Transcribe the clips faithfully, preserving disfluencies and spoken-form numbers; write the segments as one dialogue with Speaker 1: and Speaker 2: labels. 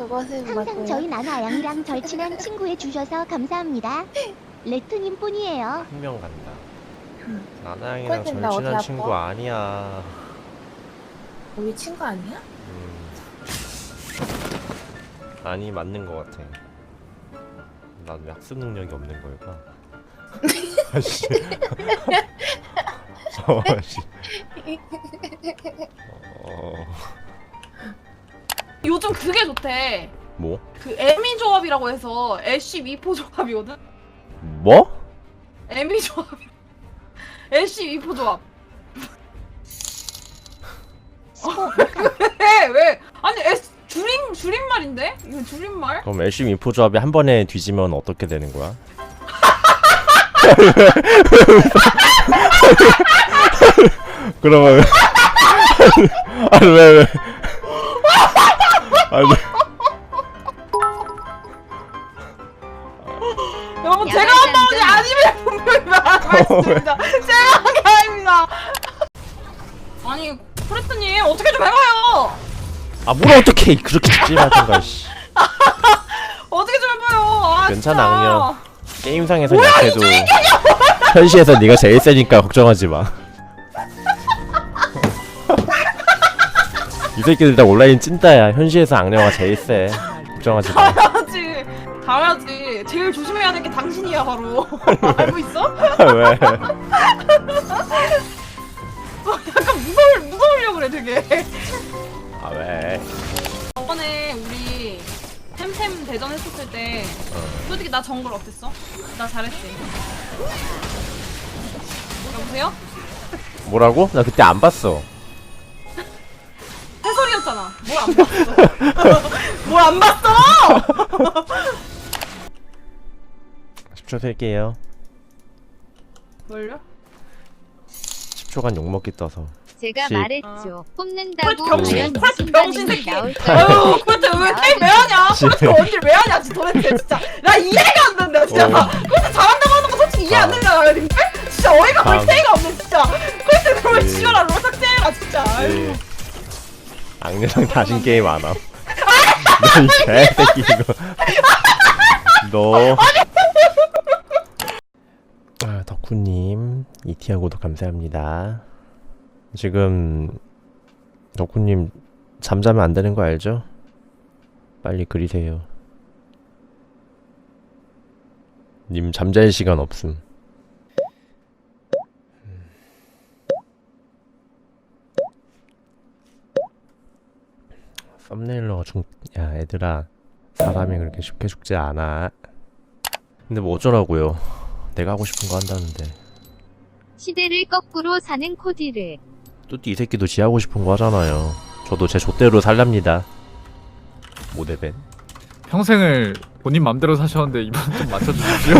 Speaker 1: 그것은
Speaker 2: 항상
Speaker 1: 맞고요.
Speaker 2: 저희 나나양이랑 절친한 친구해 주셔서 감사합니다. 레토님 뿐이에요.
Speaker 3: 한 명 간다.
Speaker 1: 음.
Speaker 3: 나나양이랑
Speaker 1: 꼴 된다, 어디
Speaker 3: 절친한
Speaker 1: 아파?
Speaker 3: 친구 아니야.
Speaker 1: 우리 친구 아니야?
Speaker 3: 음. 아니 맞는 것 같아. 나도 약속 능력이 없는 걸까? 아씨. 어, 아씨. 어.
Speaker 4: 요즘 그게 좋대.
Speaker 3: 뭐?
Speaker 4: 그 에미 조합이라고 해서 애쉬 미포 조합이거든.
Speaker 3: 뭐?
Speaker 4: 에미 조합. 애쉬 미포 조합. 왜 왜? 아니 S 줄임 줄임말인데? 이거 줄임말?
Speaker 3: 그럼 엘씨 인포 조합이 한 번에 뒤지면 어떻게 되는 거야? 그러면 아니 왜 왜? 아니
Speaker 4: 여러분 제가 한 번이 아니면 분명히 말씀드립니다. 제가 한 게 아닙니다. 아니 프레트님 어떻게 좀 해봐요.
Speaker 3: 아 뭘 어떻게 그렇게 찝찝하던가 씨.
Speaker 4: 어떻게 좀 해봐요. 아,
Speaker 3: 괜찮아,
Speaker 4: 진짜.
Speaker 3: 그냥. 게임상에선 약해도 현실에서 네가 제일 세니까 걱정하지 마. 이 새끼들 다 온라인 찐따야. 현실에서 악령아 제일 세. 걱정하지 마.
Speaker 4: 당연하지. 당연하지. 제일 조심해야 될 게 당신이야 바로. 알고 있어?
Speaker 3: 왜?
Speaker 4: 약간 무서울 무서우려고 그래 되게.
Speaker 3: 아 왜?
Speaker 4: 저번에 우리 템템 대전 했었을 때 솔직히 나 정글 어땠어? 나 잘했지. 여보세요?
Speaker 3: 뭐라고? 나 그때 안 봤어.
Speaker 4: 해설이었잖아. 뭘 안 봤어? 뭘 안 봤어?
Speaker 3: 십 초 셀게요.
Speaker 4: 뭘요?
Speaker 3: 십 초간 욕먹기 떠서.
Speaker 5: 제가
Speaker 3: 십.
Speaker 5: 말했죠. 뽑는다고
Speaker 4: 콜트 병신,
Speaker 5: 과연
Speaker 4: 콜트
Speaker 5: 무슨
Speaker 4: 병신
Speaker 5: 반응이
Speaker 4: 새끼.
Speaker 5: 나올
Speaker 4: 아유, 콜트 왜 게임 왜 하냐?
Speaker 3: 십.
Speaker 4: 콜트 언제 왜 하냐? 진짜 도대체 진짜 나 이해가 안 된다 진짜.
Speaker 3: 어.
Speaker 4: 콜트 잘한다고 하는 거 솔직히 이해 안
Speaker 3: 아.
Speaker 4: 된다 근데 진짜 어이가
Speaker 3: 다음.
Speaker 4: 볼새가 없네 진짜. 콜트 정말
Speaker 3: 네.
Speaker 4: 지겨라 롤 삭제해라 진짜. 아유.
Speaker 3: 네. 악녀랑 다신 게임 안 함. 너이 개새끼 이거. 너. 아, 덕후님 이티아 구독 감사합니다. 지금 덕후님 잠자면 안 되는 거 알죠? 빨리 그리세요. 님 잠잘 시간 없음. 썸네일러가 중... 야 애들아 사람이 그렇게 쉽게 죽지 않아. 근데 뭐 어쩌라고요. 내가 하고 싶은 거 한다는데.
Speaker 5: 시대를 거꾸로 사는 코디를.
Speaker 3: 뚜띠 이 새끼도 지 하고 싶은 거 하잖아요. 저도 제 좆대로 살랍니다. 모데벤.
Speaker 6: 평생을 본인 맘대로 사셨는데 이번 좀 맞춰주십시오.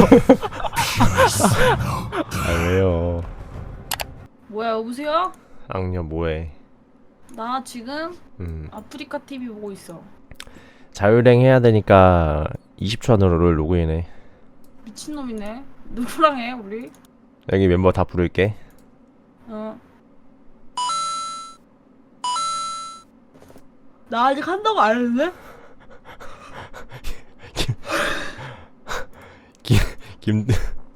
Speaker 3: 아 왜요.
Speaker 4: 뭐야 여보세요?
Speaker 3: 악녀 뭐해.
Speaker 4: 나 지금
Speaker 3: 음
Speaker 4: 아프리카 티비 보고 있어.
Speaker 3: 자율행 해야 되니까 이십 초 안으로 로그인해.
Speaker 4: 미친놈이네. 누구랑 해 우리?
Speaker 3: 여기 멤버 다 부를게.
Speaker 4: 어. 나 아직 한다고 안 했는데?
Speaker 3: 김 김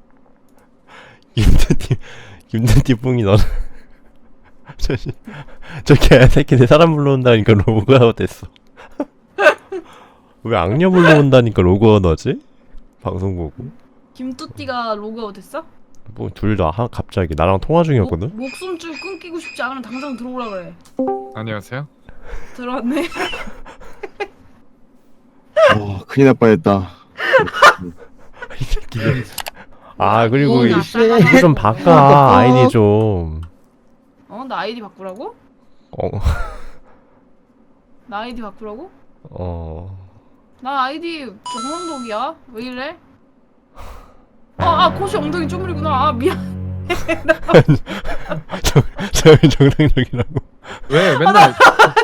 Speaker 3: 김든띠 김든띠 뿡이 너는 저씨 저 개새끼들 사람 불러온다니까 로그아웃 됐어. 왜 악녀 불러온다니까 로그아웃 하지? 방송 보고.
Speaker 4: 김뚜띠가 로그아웃 됐어?
Speaker 3: 뭐 둘 다 갑자기 나랑 통화 중이었거든.
Speaker 4: 목, 목숨줄 끊기고 싶지 않으면 당장 들어오라 그래.
Speaker 6: 안녕하세요.
Speaker 4: 들어왔네.
Speaker 7: 와 큰일 날 뻔했다.
Speaker 3: 이 새끼들. 아 그리고
Speaker 4: 오,
Speaker 3: 이-
Speaker 4: 나
Speaker 3: 이거 좀 바꿔 아이디 좀.
Speaker 4: 어? 나 아이디 바꾸라고?
Speaker 3: 어.
Speaker 4: 나 아이디 바꾸라고?
Speaker 3: 어.
Speaker 4: 나 아이디 정상독이야. 왜 이래? 아, 아 코시 엉덩이 쪼물이구나. 아 미안.
Speaker 3: 저 저 정상적이라고.
Speaker 6: 왜 맨날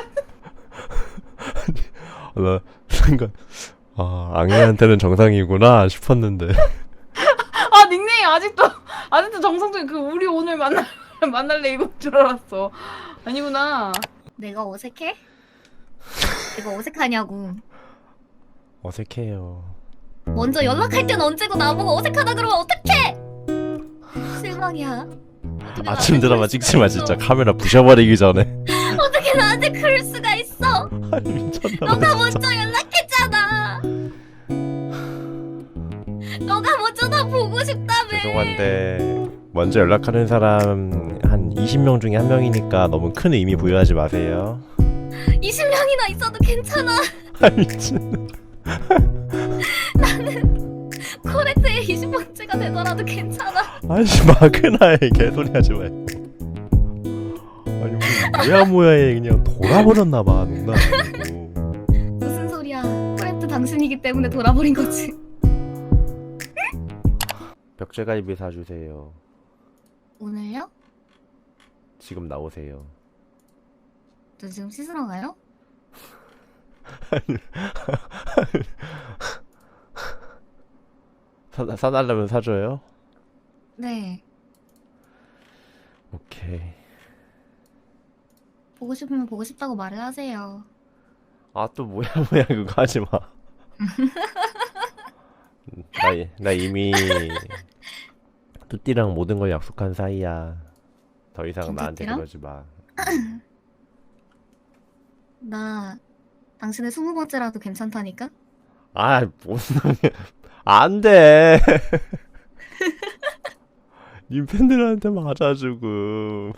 Speaker 3: 나 순간 아 악녀한테는 정상이구나 싶었는데.
Speaker 4: 아 닉네임 아직도 아직도 정상적인 그 우리 오늘 만날 만날래 이건 줄 알았어. 아니구나.
Speaker 8: 내가 어색해? 내가 어색하냐고.
Speaker 3: 어색해요.
Speaker 8: 먼저 연락할 땐 언제고 나보고 어색하다 그러면 어떡해? 실망이야. 어떻게
Speaker 3: 아침
Speaker 8: 나한테
Speaker 3: 드라마
Speaker 8: 그럴
Speaker 3: 찍지
Speaker 8: 수가
Speaker 3: 마
Speaker 8: 있어?
Speaker 3: 진짜. 카메라 부셔버리기 전에.
Speaker 8: 어떻게 나한테 그럴 수가 있어?
Speaker 3: 아니 미쳤나 봐.
Speaker 8: 너가 먼저 연락했잖아. 너가 먼저 나 보고 싶다며.
Speaker 3: 죄송한데 먼저 연락하는 사람 한 이십 명 중에 한 명이니까 너무 큰 의미 부여하지 마세요.
Speaker 8: 이십 명이나 있어도 괜찮아.
Speaker 3: 아 미친.
Speaker 8: 코레트의 이십 번째가 되더라도 괜찮아.
Speaker 3: 아이씨 마크나에 개소리 하지 말고. 아니 우리 뭐야 뭐야에 그냥 돌아버렸나봐. 농담 아니고.
Speaker 8: 무슨 소리야? 코레트 당신이기 때문에 돌아버린 거지.
Speaker 3: 벽제갈비 사주세요.
Speaker 8: 오늘요?
Speaker 3: 지금 나오세요.
Speaker 8: 저 지금 씻으러 가요?
Speaker 3: 사, 사달라면 사줘요?
Speaker 8: 네.
Speaker 3: 오케이.
Speaker 8: 보고 싶으면 보고 싶다고 말을 하세요.
Speaker 3: 아 또 뭐야 뭐야 그거 하지 마. 나, 이- 나 이미 뚜띠랑 모든 걸 약속한 사이야. 더 이상 나한테
Speaker 8: 김뚜띠랑?
Speaker 3: 그러지 마.
Speaker 8: 나 당신의 스무 번째라도 괜찮다니까?
Speaker 3: 아 무슨 안 돼. 님 팬들한테 맞아 지금.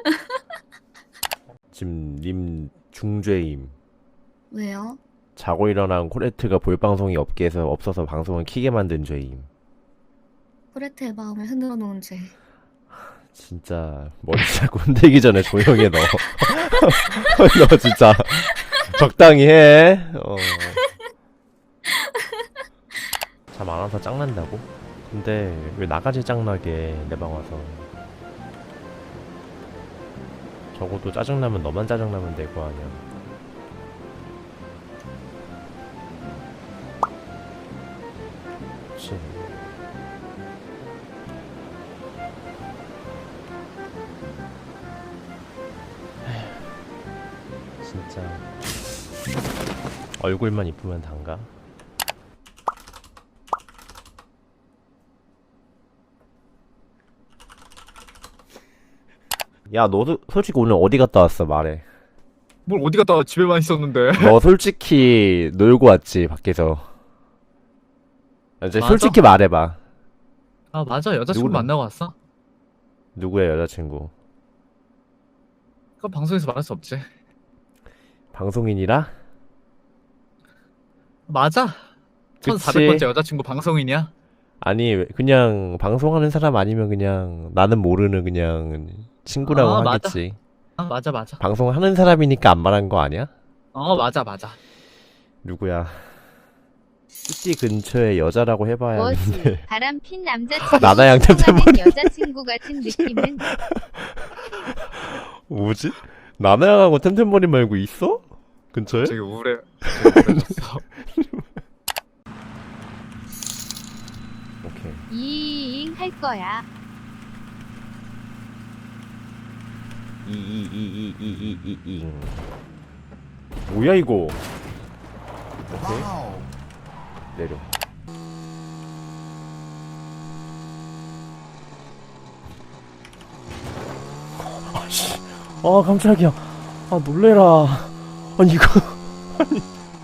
Speaker 3: 지금 님 중죄임.
Speaker 8: 왜요?
Speaker 3: 자고 일어난 코레트가 볼 방송이 업계에서 없어서 방송을 키게 만든 죄임.
Speaker 8: 코레트의 마음을 흔들어 놓은 죄.
Speaker 3: 진짜 머리 자꾸 흔들기 전에 조용히 해 너. 너 진짜 적당히 해. 어. 잠 안 와서 짱난다고? 근데 왜 나까지 짱나게 내 방 와서. 적어도 짜증나면 너만 짜증나면 될 거 아니야. 그치. 진짜 얼굴만 이쁘면 단가? 야 너도 솔직히 오늘 어디 갔다 왔어 말해.
Speaker 6: 뭘 어디 갔다 와, 집에만 있었는데.
Speaker 3: 너 솔직히 놀고 왔지 밖에서. 이제
Speaker 6: 맞아.
Speaker 3: 솔직히 말해봐.
Speaker 6: 아 맞아, 여자친구
Speaker 3: 누구랑-
Speaker 6: 만나고 왔어?
Speaker 3: 누구야 여자친구?
Speaker 6: 그건 방송에서 말할 수 없지.
Speaker 3: 방송인이라?
Speaker 6: 맞아.
Speaker 3: 그치.
Speaker 6: 천사백 번째 여자친구 방송인이야?
Speaker 3: 아니 왜- 그냥 방송하는 사람 아니면 그냥 나는 모르는 그냥 친구라고
Speaker 6: 아, 맞아.
Speaker 3: 하겠지.
Speaker 6: 아 맞아 맞아.
Speaker 3: 방송하는 사람이니까 안 말한 거 아니야?
Speaker 6: 어 맞아 맞아.
Speaker 3: 누구야? 뚜띠 근처에 여자라고 해봐야
Speaker 5: 뭐지?
Speaker 3: 하는데.
Speaker 5: 바람핀 남자친구
Speaker 3: 나나양
Speaker 5: 통하는
Speaker 3: 템템버린.
Speaker 5: 여자친구 같은 느낌은
Speaker 3: 뭐지? 나나양하고 템템버린 말고 있어? 근처에?
Speaker 6: 되게 우울해. 되게 우울해졌어.
Speaker 3: 오케이.
Speaker 5: 이잉 할 거야.
Speaker 3: 이이이이이이이잉. 뭐야 이거? 오케이. 내려. 아씨. 아 깜짝이야. 아 놀래라. 아니 이거. 아니.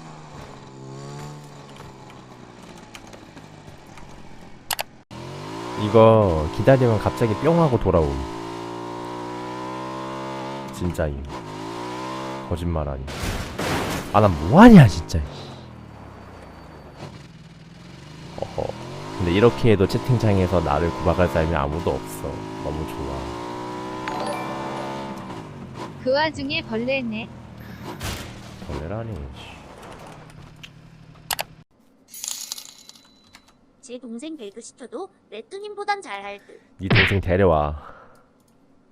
Speaker 3: 이거 기다리면 갑자기 뿅 하고 돌아옴. 진짜임. 거짓말 아니. 아 난 뭐하냐 진짜. 어허. 근데 이렇게 해도 채팅창에서 나를 구박할 사람이 아무도 없어. 너무 좋아.
Speaker 5: 그 와중에 벌레네.
Speaker 3: 벌레라니.
Speaker 2: 제 동생 배그 시켜도 레뚜님보단 잘할 듯.
Speaker 3: 네 동생 데려와.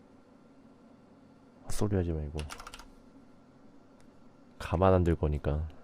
Speaker 3: 헛소리 하지 말고. 가만 안 들 거니까.